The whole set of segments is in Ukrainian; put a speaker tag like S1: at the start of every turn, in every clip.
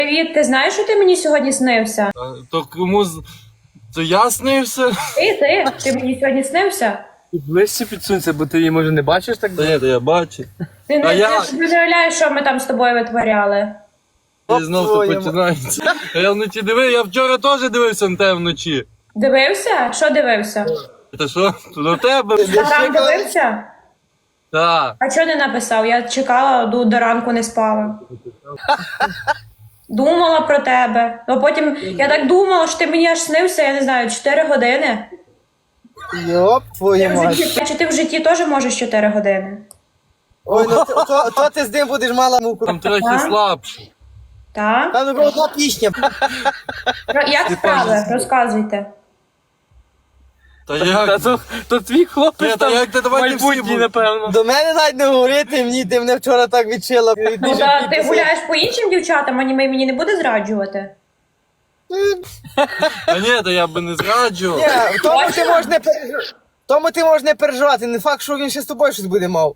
S1: Привіт, ти знаєш, що ти мені сьогодні снився?
S2: То кому то я снився?
S1: Ти мені сьогодні снився?
S3: Ближче підсунься, бо ти її, може, не бачиш так?
S2: Та ні, то я бачу.
S1: Ти не уявляєш, що ми там з тобою витворяли.
S2: І знов то починається. А я вночі дивився, я вчора теж дивився на тебе вночі.
S1: Дивився? Що дивився?
S2: Та що? До тебе?
S1: А там дивився?
S2: Так.
S1: А чого не написав? Я чекала, до ранку не спала. Думала про тебе. А потім я так думала, що ти мені аж снився, я не знаю, 4 години.
S4: Йоп, твою мать.
S1: Чи ти в житті теж можеш 4 години?
S4: Ой, ну то ти з ним будеш мала муку.
S2: Там трохи слабше.
S1: Так?
S4: Там не одна пісня.
S1: Як справи? Розказуйте.
S2: Та як?
S3: То твій хлопець
S2: Та
S3: там
S2: як ти, давайте всі
S3: майбутній,
S2: будемо.
S3: напевно.
S4: До мене навіть не говорити, ти мене вчора так відчила.
S1: Ну, та ти гуляєш по іншим дівчатам, а мені не буде зраджувати?
S2: Та ні, та я би не зраджував.
S4: Ні, в тому ти можеш не переживати. Не факт, що він ще з тобою щось буде мав.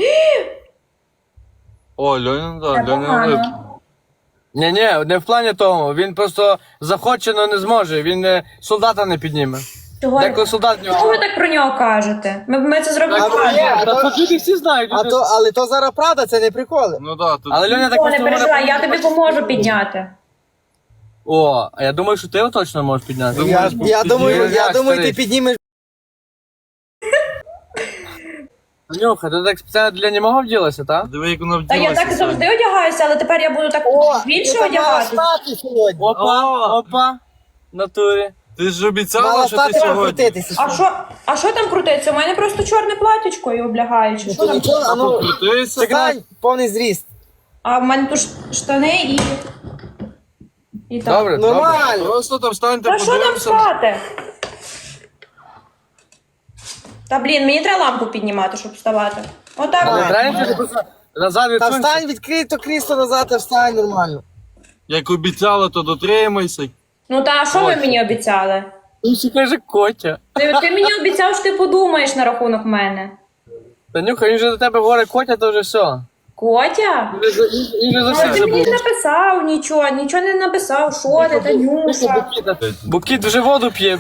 S2: О, Льоня,
S1: Це
S2: так, Льоня.
S1: погано.
S3: Ні, не в плані тому. Він просто захоче, але не зможе. Він солдата не підніме.
S1: Чого?
S3: Деколи солдат в
S1: Чого
S3: нього.
S1: ви так про нього кажете? Ми це зробили.
S3: Люди всі знають.
S4: Але то зараз правда, це не приколи.
S2: Ну так, тут.
S3: Але Льоня так
S1: О, не
S3: просто
S1: переживай, я тобі поможу підняти.
S3: О, а я думаю, що ти його точно можеш підняти.
S4: Я думаю,
S3: старий.
S4: ти піднімеш.
S3: Нюха, ти так спеціально для німого вділася, так?
S2: Диви, як вона
S1: Та я
S2: вділася.
S1: так завжди одягаюся, але тепер я буду так більше
S4: мала
S1: одягатися.
S4: стати сьогодні.
S3: Опа. В натурі.
S2: Ти ж обіцяла,
S4: Мала
S2: що ти
S4: стати
S2: сьогодні.
S4: покрутитися.
S1: А що там крутиться? У мене просто чорне платічко і облягаюче. Що там?
S4: Нічого, а ну,
S2: Покрутися?
S4: стань, повний зріст.
S1: А в мене тут штани і так.
S3: Добре, добре.
S4: Нормально.
S2: Просто там встаньте,
S1: Та що там
S2: подивимося.
S1: спати? Та блін, мені треба лампу піднімати, щоб вставати. Отак.
S3: Не
S1: от.
S3: треба ти просто назад
S4: Та
S3: відсунься.
S4: встань, відкрий то крісло назад, та встань нормально.
S2: Як обіцяла, то дотримайся.
S1: Ну та а що ви мені обіцяли?
S3: Він ще каже Котя.
S1: Ти мені обіцяв, що ти подумаєш на рахунок мене.
S3: Танюха, він же до тебе говорить Котя, то вже все.
S1: Котя?
S3: Він же за
S1: Але
S3: всіх
S1: ти мені
S3: забув.
S1: не написав нічого не написав. Що ти, Танюша?
S3: Бо кіт вже воду п'є.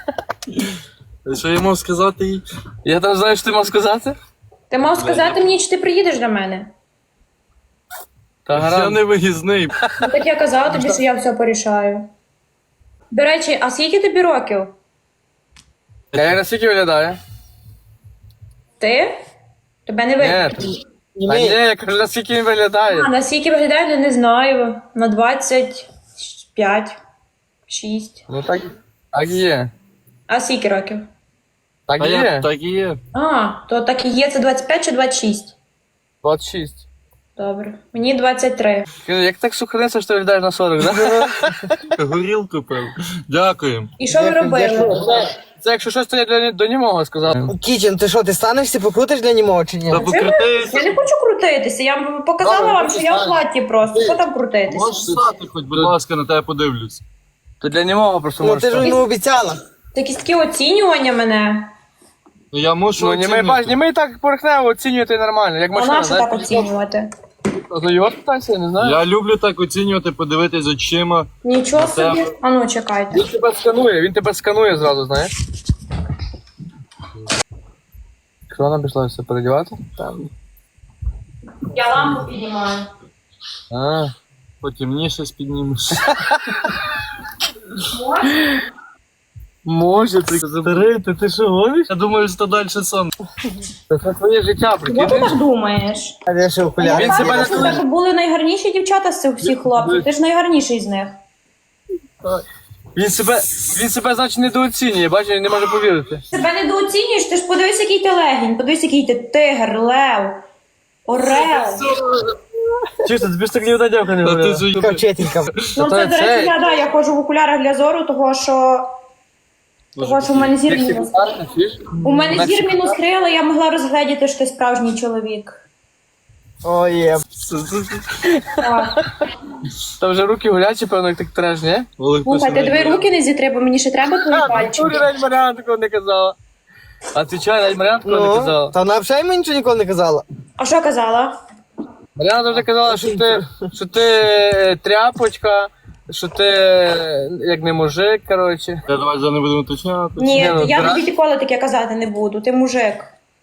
S2: Що я мав сказати їй?
S3: Я там знаю, що ти мав сказати?
S1: Ти мав сказати мені, чи ти приїдеш до мене?
S3: Та
S2: Я
S3: гаразд.
S2: не виїзний.
S1: Ну так я казала тобі, що я все порішаю. До речі, а скільки тобі років?
S3: Я як наскільки виглядає?
S1: Ти? Тебе не видно.
S3: Ні. А ні, я кажу, наскільки він виглядає.
S1: А наскільки виглядає, не знаю. На 25, 6.
S3: Ну так і є.
S1: А скільки років?
S3: Так
S2: А
S3: і
S2: я
S3: є.
S2: так і є.
S1: А, то так і є, це 25 чи 26?
S3: 26.
S1: Добре. Мені 23.
S3: Кажу, як так сухарниця, що ти виглядаєш на 40, да?
S2: Горілку пив. Дякую.
S1: І що ви робили?
S3: Це якщо щось, то я до німого сказав.
S4: Кічен, ти що, ти станешся, покрутиш для німого чи ні?
S2: Та покрутися.
S1: Я не хочу крутитися. Я вам показала вам, що я в платі просто. Що там крутитися?
S2: Можеш стати хоч, будь ласка, на тебе подивлюсь.
S3: То для німого просто
S4: Ну
S3: можеш
S4: ти ж
S3: стати.
S4: йому обіцяла.
S1: Якісь такі оцінювання мене.
S2: Ну я мушу
S3: Ну, німий бач,
S2: оцінити.
S3: німий так порохнево оцінювати нормально, як
S1: А
S3: машина,
S1: на що так
S3: знаєш?
S1: оцінювати?
S3: Ну його питайся, я не знаю.
S2: Я люблю так оцінювати, подивитись очима.
S1: Нічого
S2: На тебе.
S1: собі. А ну чекайте.
S3: Він тебе сканує зразу, знаєш? Що вона пішла все передівати? Там.
S1: Я лампу піднімаю.
S3: А.
S2: Потемніше спіднімеш.
S3: Може, ти
S2: Старий, ти що гониш? Я думаю, що далі сон.
S3: це твоє життя,
S1: Чого ти
S3: прикинь.
S1: так думаєш?
S4: А де ще окуляри?
S3: Він себе не
S1: Це так були найгарніші дівчата з цих всіх хлопців. Ти ж найгарніший з них.
S3: Він себе, значить, недооцінює, бачиш, він не може повірити.
S1: Себе недооцінюєш, ти ж подивись, який ти легінь, подивись, який ти тигр, лев, орел.
S3: Чисто, тобі ж так ні одна дівка не
S2: Та ти
S3: говорила.
S2: ж
S4: Така вчителька.
S1: Ну це, до речі, я ходжу в окулярах для зору, того що в мене зір мінус. У мене зір мінус 3, але я могла розгледіти, що ти справжній чоловік.
S4: Ой, є.
S1: Так.
S3: Там вже руки гулячі, певно, як так треш, ні?
S1: Слухай, ти дві руки не зітри, бо мені ще треба твої пальчики.
S3: навіть Маріан такого не казала. А ти чай, навіть Маріан такого не
S4: Ну,
S3: казала.
S4: та вона взагалі мені нічого ніколи не казала.
S1: А що казала?
S3: Мар'яна завжди казала, що ти тряпочка, що ти як не мужик, коротше.
S2: Я давай вже не будемо уточняти.
S1: Ні,
S3: ну,
S1: я
S3: дра-
S1: тобі ніколи таке казати не буду. Ти мужик.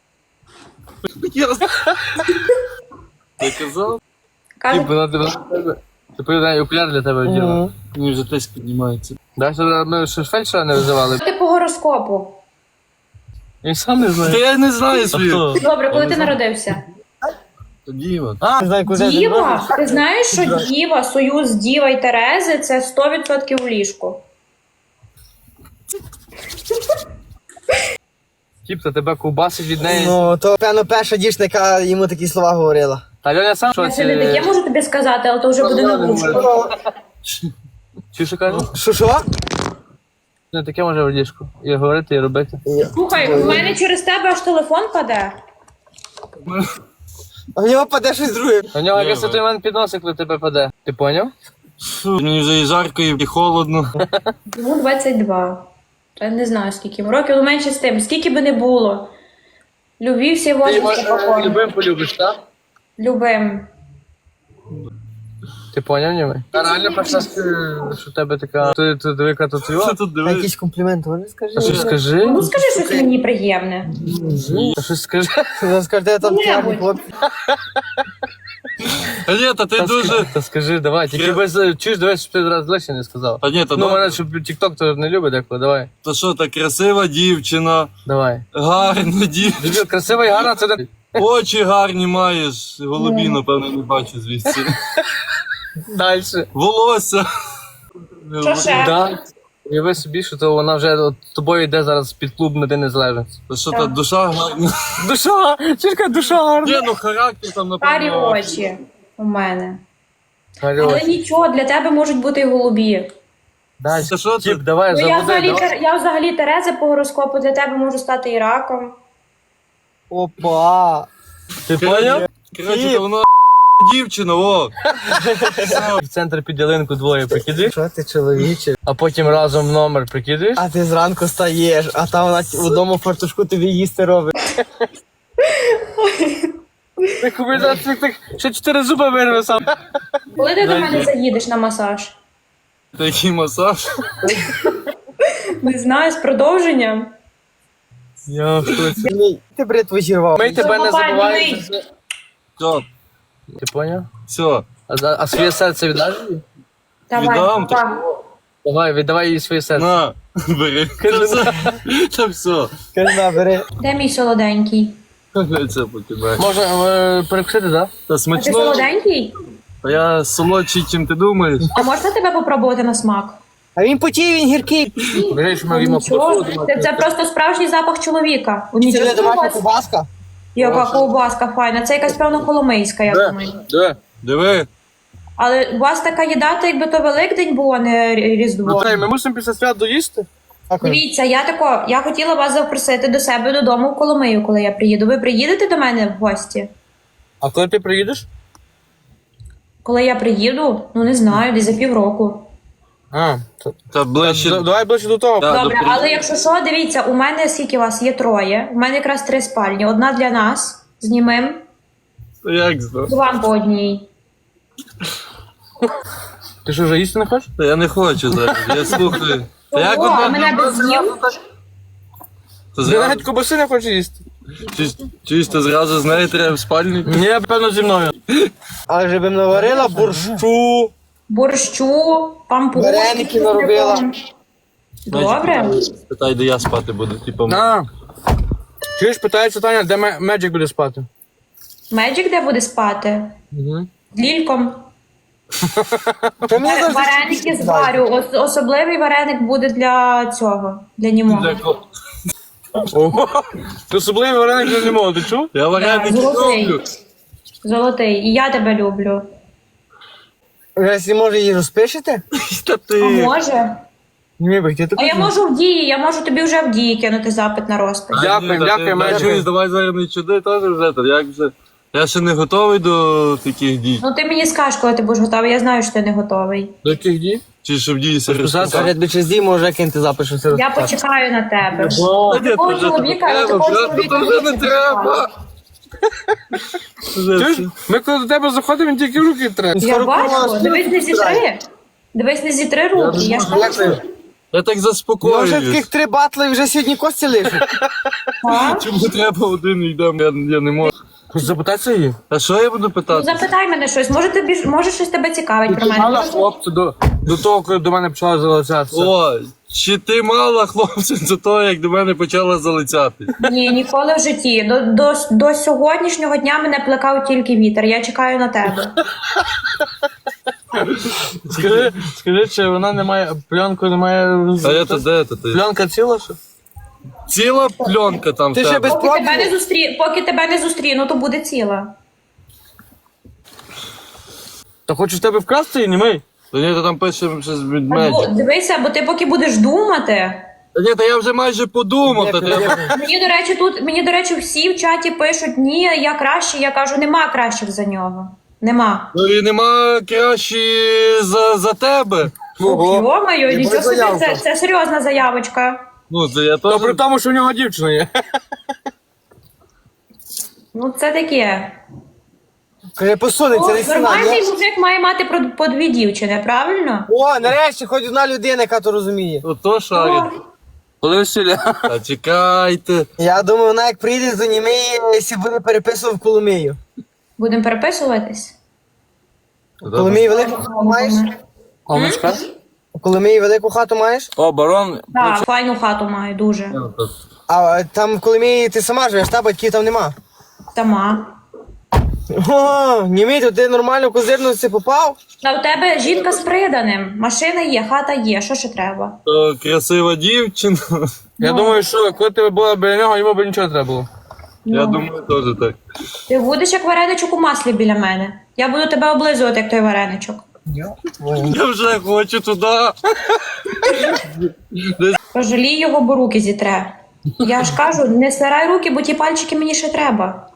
S2: Ти казав?
S1: Каже,
S3: Вона тебе... Ти повідає, окуляр для тебе вділа.
S2: Мені вже теж піднімається.
S3: Да, що ми ще фельдшера не визивали?
S1: ти по гороскопу.
S3: Він сам не
S2: Та
S3: знає.
S2: я не знаю свій.
S1: Добре, коли ти народився?
S2: Тоді от.
S4: Не знаю, куди ти
S1: Діва? Ти знаєш, що Діва, союз Діва і Терези – це 100% у ліжку.
S3: Тіп, то тебе ковбасить від неї.
S4: Ну, то, певно, перша дівчина, яка йому такі слова говорила.
S3: Та Льоня сам
S1: Я ще не таке можу тобі сказати, але то вже буде на вушку.
S3: Чи що каже?
S4: Що?
S3: Не таке може в ліжку. І говорити, і робити.
S1: Слухай, у мене через тебе аж телефон паде.
S4: А в нього паде щось друге.
S3: У нього
S2: Ні,
S3: якось
S2: ви-
S3: той мене підносить, коли тебе паде. Ти поняв?
S2: Фу, мені вже і жарко, і холодно.
S1: Йому 22. Я не знаю, скільки йому років, але менше з тим. Скільки би не було. Любі всі
S3: Ти
S1: возрасти покорні.
S3: любим полюбиш, так?
S1: Любим.
S3: Ти поняв, ніби? А реально перша, що в тебе така... Ти яка тут
S2: Що
S3: його?
S2: тут
S4: А
S2: дивись?
S4: якийсь комплімент, вони скажи.
S3: А що скажи?
S1: Ну скажи щось мені приємне.
S3: А що скажи?
S4: Що скажете, там
S1: Ну,
S4: гарні
S1: небудь.
S4: хлопці.
S2: А ні, та ти дуже...
S3: Та скажи, давай. Тільки
S2: Я-
S3: без... Чуєш, дивись, щоб ти раз легше не сказав.
S2: Та ні, та
S3: Ну,
S2: ну,
S3: мене, щоб TikTok то не любить деколи, давай.
S2: та що, та красива дівчина,
S3: Давай.
S2: гарна дівчина,
S3: Дебіл, красива і гарна, це...
S2: очі гарні маєш, голубі, напевно, не бачу звідси.
S3: Дальше.
S2: Волосся.
S1: Що ще?
S3: Да. Уяви собі, що то вона вже от, з тобою йде зараз під клуб на День Незалежності.
S2: Та що, та душа гарна.
S3: Душа! Чірка, душа гарна!
S2: Ні, ну характер там,
S1: Карі
S2: напевно.
S1: очі у мене.
S3: Алло.
S1: Але нічого, для тебе можуть бути і голубі.
S3: Дальше.
S2: Та що
S3: Тіп,
S2: ти?
S3: давай,
S1: Ну,
S3: заводи. давай.
S1: я взагалі Тереза по гороскопу, для тебе можу стати і раком.
S4: Опа.
S3: Ти поняв?
S2: Коротше, та вона дівчина, о.
S3: В центр під ялинку двоє прикидаєш,
S4: Що ти, чоловіче?
S3: а потім разом номер прикидаєш.
S4: А ти зранку стаєш, а там вона в одному фартушку тобі їсти робить.
S3: Ти купи зараз так, ще 4 зуби вирве сам.
S1: Коли ти до мене заїдеш на масаж?
S2: Такий масаж.
S1: Не знаю, з продовженням.
S3: Я в шоці.
S4: Ні, ти бритву зірвав.
S3: Ми тебе не
S1: Папа,
S3: забуваємо.
S1: дивись.
S2: Все,
S3: Ти поняв?
S2: все.
S3: А своє серце віддаш їй?
S1: Давай,
S2: Віддам,
S1: папа.
S3: Давай, віддавай їй своє серце.
S2: На, бери. Та все. Та все.
S4: Кажи, на, бери.
S1: Де мій солоденький?
S2: Це по тебе.
S3: Можна перекусити, так?
S2: Та
S1: А ти
S2: смачно.
S1: солоденький?
S2: Та я солодший, чим ти думаєш.
S1: А можна тебе попробувати на смак?
S4: А він потій, він гіркий.
S3: Бери, що ми їмо
S1: Нічого, це просто справжній запах чоловіка. У
S4: Це
S1: нічого
S4: не
S1: у
S4: домашня
S1: вас.
S4: ковбаска.
S1: Яка ковбаска файна. Це якась певно коломийська, я думаю.
S3: Де?
S2: Диви.
S1: Але у вас така їда, то якби то Великдень був, а не Різдво.
S3: Наталі, ми мусимо після свят доїсти?
S1: Дивіться, я хотіла вас запросити до себе додому в Коломию, коли я приїду. Ви приїдете до мене в гості?
S3: А коли ти приїдеш?
S1: Коли я приїду, ну не знаю, десь за півроку.
S3: А,
S2: Та ближче.
S3: давай ближче до того.
S2: Да,
S1: Добре,
S2: до
S1: але якщо що, дивіться, у мене скільки вас є троє. У мене якраз 3 спальні. Одна для нас знімем,
S2: Та як зна?
S1: вам по одній.
S3: Ти що, вже їсти не хочеш?
S2: Та я не хочу зараз, я слухаю. Та як
S1: О,
S2: одна
S1: а мене без з'їв?
S2: Та
S3: Ти
S2: зразу,
S3: навіть кобаси не хочеш їсти?
S2: чуєш, то зразу з нею треба в спальню.
S3: Ні, певно, зі мною.
S4: Але вже б наварила борщу.
S1: Борщу, пампушки.
S4: Вареники наробила.
S1: Добре.
S2: Питай, де я спати буду, типу.
S3: А. Чуєш, питається Таня, де Меджик буде спати?
S1: Меджик де буде спати?
S3: Угу.
S1: З Лільком.
S4: Та мені завжди
S1: Вареники зварю. Особливий вареник буде для цього, для німого.
S3: Ого, ти особливий вареник вже не можу, ти чув?
S2: Я вареники
S1: Золотий.
S2: роблю.
S1: Золотий. І я тебе люблю.
S4: Якщо може її розпишете?
S2: Та
S1: А
S2: ти.
S1: може?
S4: Ні, бо я
S1: А я можу в дії, я можу тобі вже в дії кинути запит на розпис.
S3: Дякую, дякую,
S2: Меджик.
S3: Меджик.
S2: Давай зараз не чуди, теж вже, та як вже. Я ще не готовий до таких дій.
S1: Ну ти мені скажеш, коли ти будеш готовий, я знаю, що ти не готовий.
S3: До яких дій?
S2: Чи щоб дії
S3: Розписати?
S2: розписати.
S4: Я тобі через дій може кинути запис, що це
S1: Я
S4: розписати.
S1: почекаю на тебе.
S2: Та ні,
S1: Такого
S2: то вже
S1: чоловіка,
S2: не
S1: такого
S2: треба,
S1: чоловіка
S2: то вже не треба.
S3: Чуєш? Ми коли до тебе заходимо, він тільки руки треба.
S1: Я бачу, дивись не зітри. Дивись не зітри руки, я ж бачу.
S2: Я так
S4: Ну, вже
S2: заспокоююсь.
S4: таких 3 батли, вже сьогодні кості лишать.
S1: А?
S2: Чому треба один і йдемо, я не можу.
S3: Запитайся її.
S2: А що я буду
S1: Ну,
S2: питати?
S1: запитай мене щось, може щось тебе цікавить про
S3: Мала
S1: мене.
S3: хлопця до того, коли до мене почала залицятися.
S2: О, чи ти мала хлопців до того, як до мене почала залицяти?
S1: Ні, ніколи в житті. До сьогоднішнього дня мене плекав тільки вітер. Я чекаю на тебе.
S3: Скажи, чи вона не має, пленку не має...
S2: А я то де то ти?
S3: Пленка ціла, що?
S2: Ціла пленка там в
S4: Ти ще
S2: тебе.
S4: без
S1: Поки тебе не зустріну, то буде ціла.
S3: Та хочеш тебе вкрасти і німий?
S2: Та ні, то там пише щось від медіа.
S1: Дивися, бо ти поки будеш думати.
S2: Та ні, та я вже майже подумав. Та треба...
S1: Мені, до речі, всі в чаті пишуть, ні, я краще, я кажу, нема кращих за нього. Нема.
S2: Ну і нема краще за тебе.
S1: Йо-моє, нічого собі,
S4: заявка.
S1: це серйозна заявочка.
S2: Ну, це я
S3: То
S2: теж...
S3: при тому, що в нього дівчина є.
S1: Ну, це таке.
S4: Каже, посудиться, не стіна.
S1: Нормальний мужик має мати по 2 дівчини, правильно?
S4: О, нарешті, хоч одна людина, яка то розуміє.
S2: Ото шарить.
S3: Коли весілля?
S2: Та чекайте.
S4: Я думаю, вона як прийде до Німеї, якщо буде переписувати в Коломию.
S1: Будемо переписуватись?
S4: В Коломиї велику хату маєш?
S3: Омочка?
S4: В Коломиї велику хату маєш?
S3: О, барон.
S1: Так, файну хату маю, дуже.
S4: А там в Коломиї ти сама живеш, та батьків там нема.
S1: Сама.
S4: О, Німей, то ти нормально в козирності попав?
S1: А у тебе жінка з приданим. Машина є, хата є, що ще треба?
S2: То красива дівчина.
S3: Я думаю, що коли тебе була біля нього, йому б нічого не треба було.
S2: Я думаю, теж так.
S1: Ти будеш як вареничок у маслі біля мене. Я буду тебе облизувати, як той вареничок.
S2: Я вже хочу туди.
S1: Пожалій його, бо руки зітре. Я ж кажу, не стирай руки, бо ті пальчики мені ще треба.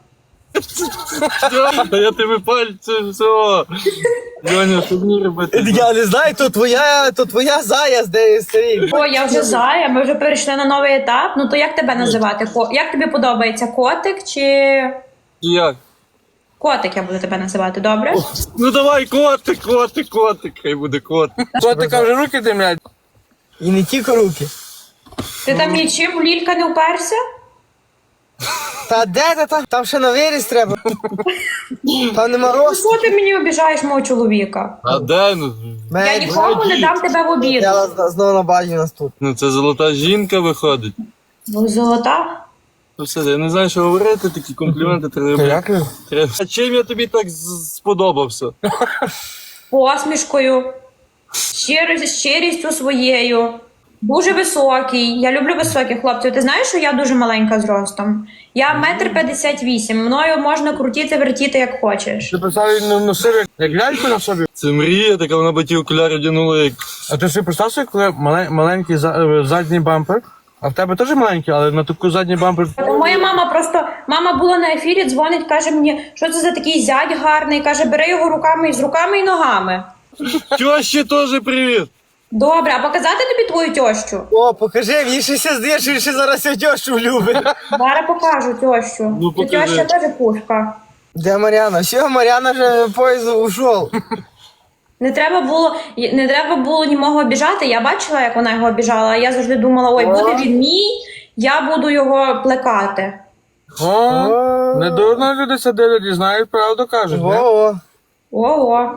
S2: Та я тебе пальцем все. Льоня, що мені робити?
S4: Я не знаю, то твоя заяз, де старий.
S1: О, я вже зая, ми вже перейшли на новий етап. Ну то як тебе називати? Як тобі подобається? Котик чи...
S2: Як?
S1: Котик я буду тебе називати, добре?
S2: Ну давай, котик, хай буде котик.
S3: Котика вже руки димлять.
S4: І не тільки руки.
S1: Ти там нічим в лілька не вперся?
S4: Та де ти там? Там ще на виріс треба. Там нема росту.
S1: Що ти мені обіжаєш мого чоловіка?
S2: А де? Ну,
S1: Я нікому не дам тебе в обід.
S4: Я знову на базі нас тут.
S2: ну це золота жінка виходить.
S1: Ну, золота.
S2: Ну все, я не знаю, що говорити, такі компліменти треба.
S3: Дякую.
S2: А чим я тобі так сподобався?
S1: Посмішкою, щирістю своєю. Дуже високий. Я люблю високих хлопців. Ти знаєш, що я дуже маленька зростом? Я 1,58 м. Мною можна крутити, вертіти, як хочеш.
S3: Ти представ, він носив як ляльку на собі.
S2: Це мрія, така вона би ті окуляри вдягнула, як...
S3: А ти собі представ собі, коли маленький задній бампер, а в тебе теж маленький, але на таку задній бампер.
S1: Моя мама була на ефірі, дзвонить, каже мені, що це за такий зять гарний, каже, бери його руками з руками і ногами.
S2: Тьощі теж привіт!
S1: Добре, а показати тобі твою тьощу?
S4: О, покажи, мені ще здає, що він ще зараз сьогодні любить.
S1: Зараз покажу тьощу.
S2: Ну,
S1: Ти
S2: покажи.
S1: тьоща теж пушка.
S4: Де Мар'яна? Все, Мар'яна вже поїзд ушов.
S1: Не треба було німого обіжати. Я бачила, як вона його обіжала, а я завжди думала, ой, буде він мій, я буду його плекати.
S3: О, не дурно люди сидять і знають, правду кажуть. не?
S4: Во-во.
S1: Ого.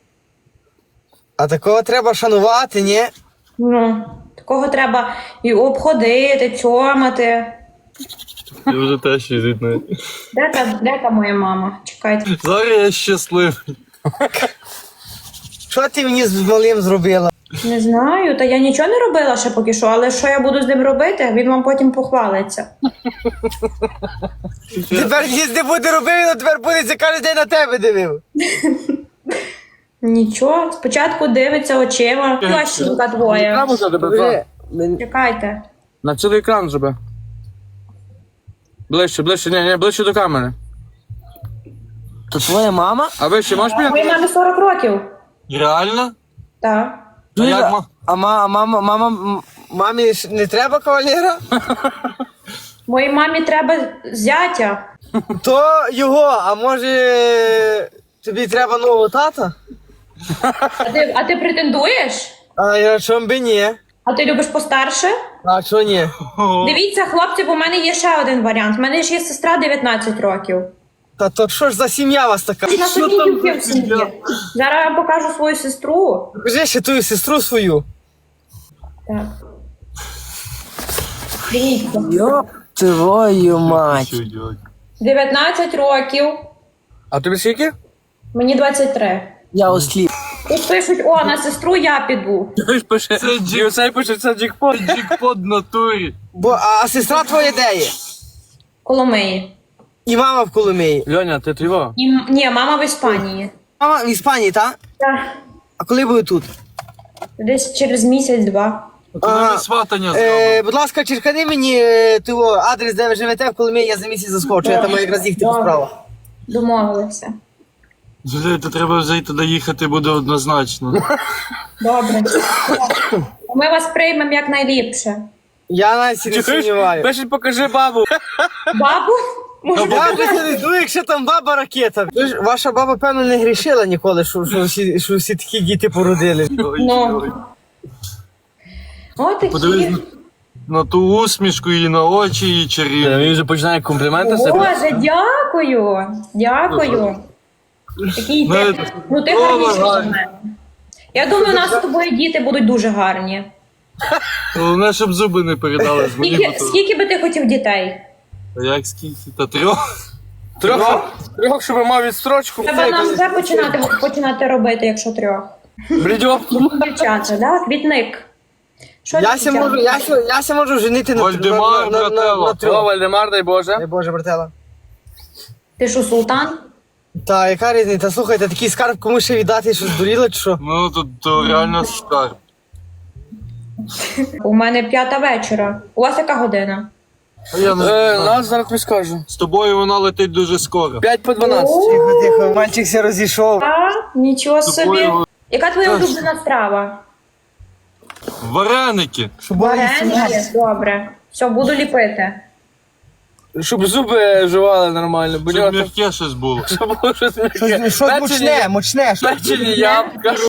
S4: А такого треба шанувати, ні?
S1: Ну, такого треба і обходити, цьомати.
S2: Я вже теж йдуть навіть.
S1: Де та моя мама? Чекайте.
S2: Зараз я щасливий.
S4: Що ти мені з малим зробила?
S1: Не знаю, та я нічого не робила ще поки що, але що я буду з ним робити, він вам потім похвалиться.
S4: Тепер їзди буде робив, він тепер буде це кожен день на тебе дивив.
S1: Нічого, спочатку дивиться очима. Тьощенька твоя.
S3: Треба за тебе.
S1: Чекайте.
S3: На цілий екран зроби. Ближче, ні, ближче до камери.
S4: То твоя мама?
S3: А вище можеш
S1: Моїй
S3: підняти?
S1: мамі 40 років.
S2: Реально?
S1: Так.
S2: А як
S4: Мамі ж не треба кавалера?
S1: Моїй мамі треба зятя.
S4: То його, а може тобі треба нового тата?
S1: А ти претендуєш?
S4: А я чом би ні?
S1: А ти любиш постарше?
S4: А чого ні?
S1: Дивіться, хлопці, бо в мене є ще один варіант. У мене ж є сестра 19 років.
S4: Та то що ж за сім'я у вас така?
S1: На собі дівки в сім'ї. Зараз я вам покажу свою сестру.
S4: Покажи ще твою сестру свою.
S1: Так. Дивіться.
S4: Йоп твою мать.
S1: 19 років.
S3: А тобі скільки?
S1: Мені 23.
S4: Я осліп.
S1: Тут пишуть, о, на сестру я піду.
S3: Хтось пише,
S2: Це
S3: і оцей пише, це джекпот.
S2: Джекпот в натурі.
S4: А сестра твоя де є?
S1: Коломиї.
S4: І мама в Коломиї.
S3: Льоня, ти твого?
S1: Ні, мама в Іспанії.
S4: Мама в Іспанії, так?
S1: Так.
S4: А коли буде тут?
S1: Десь через місяць-два.
S2: Коли
S4: Ага.
S2: ми сватання зробимо.
S4: Будь ласка, черкани мені того адрес, де ви живете в Коломиї, я за місяць заскочу, я там якраз їхати по справах.
S1: Домовилися.
S2: Жили, то треба вже й туди їхати буде однозначно.
S1: Добре. Ми вас приймемо якнайліпше.
S4: Я навіть не сумніваю.
S3: Пишуть, покажи бабу.
S1: Бабу? Може,
S4: Я вже не йду, якщо там баба ракета. Ви ж, ваша баба, певно, не грішила ніколи, що всі такі діти породили.
S1: ну. О, такі.
S2: Подивись на ту усмішку і на очі, і чарівні.
S3: Він вже починає компліменти себе.
S1: Боже, дякую. Дякую. Такий
S2: Ну,
S1: ти. Ну ти
S2: о,
S1: гарніший за
S2: гарно.
S1: мене. Я думаю, у нас з тобою діти будуть дуже гарні.
S2: Головне, щоб зуби не передали з мені.
S1: Скільки би ти хотів дітей?
S2: Як скільки? Та 3?
S3: Трьох, щоб мав відстрочку.
S1: Треба нам вже починати робити, якщо 3.
S3: Блідьох.
S1: Дівчата, да? Квітник. Що
S4: Я ся можу женити на
S2: Вальдемар, брателло.
S3: О,
S4: трьох.
S3: Вальдемар, дай Боже.
S4: Дай Боже, братела.
S1: Ти що, султан?
S4: Та яка різниця? Слухайте, такий скарб комусь ще віддати, що здуріли, чи що?
S2: Ну, то реально скарб.
S1: У мене 5 вечора. У вас яка година?
S2: А я не знаю.
S3: Нас зараз тобі скажу.
S2: З тобою вона летить дуже скоро.
S3: 5 по 12.
S4: Тихо, тихо, мальчик все розійшов.
S1: А, нічого
S2: З
S1: собі.
S2: тобою
S1: Яка твоя улюблена страва?
S2: вареники.
S4: Щоб були
S1: Вареники? Добре. Все, буду ліпити.
S3: Щоб зуби жували нормально. Бо
S2: Щоб
S3: нього
S2: м'яке щось було.
S3: щоб було щось м'яке.
S4: щось мучне, мучне.
S3: Печені ябка.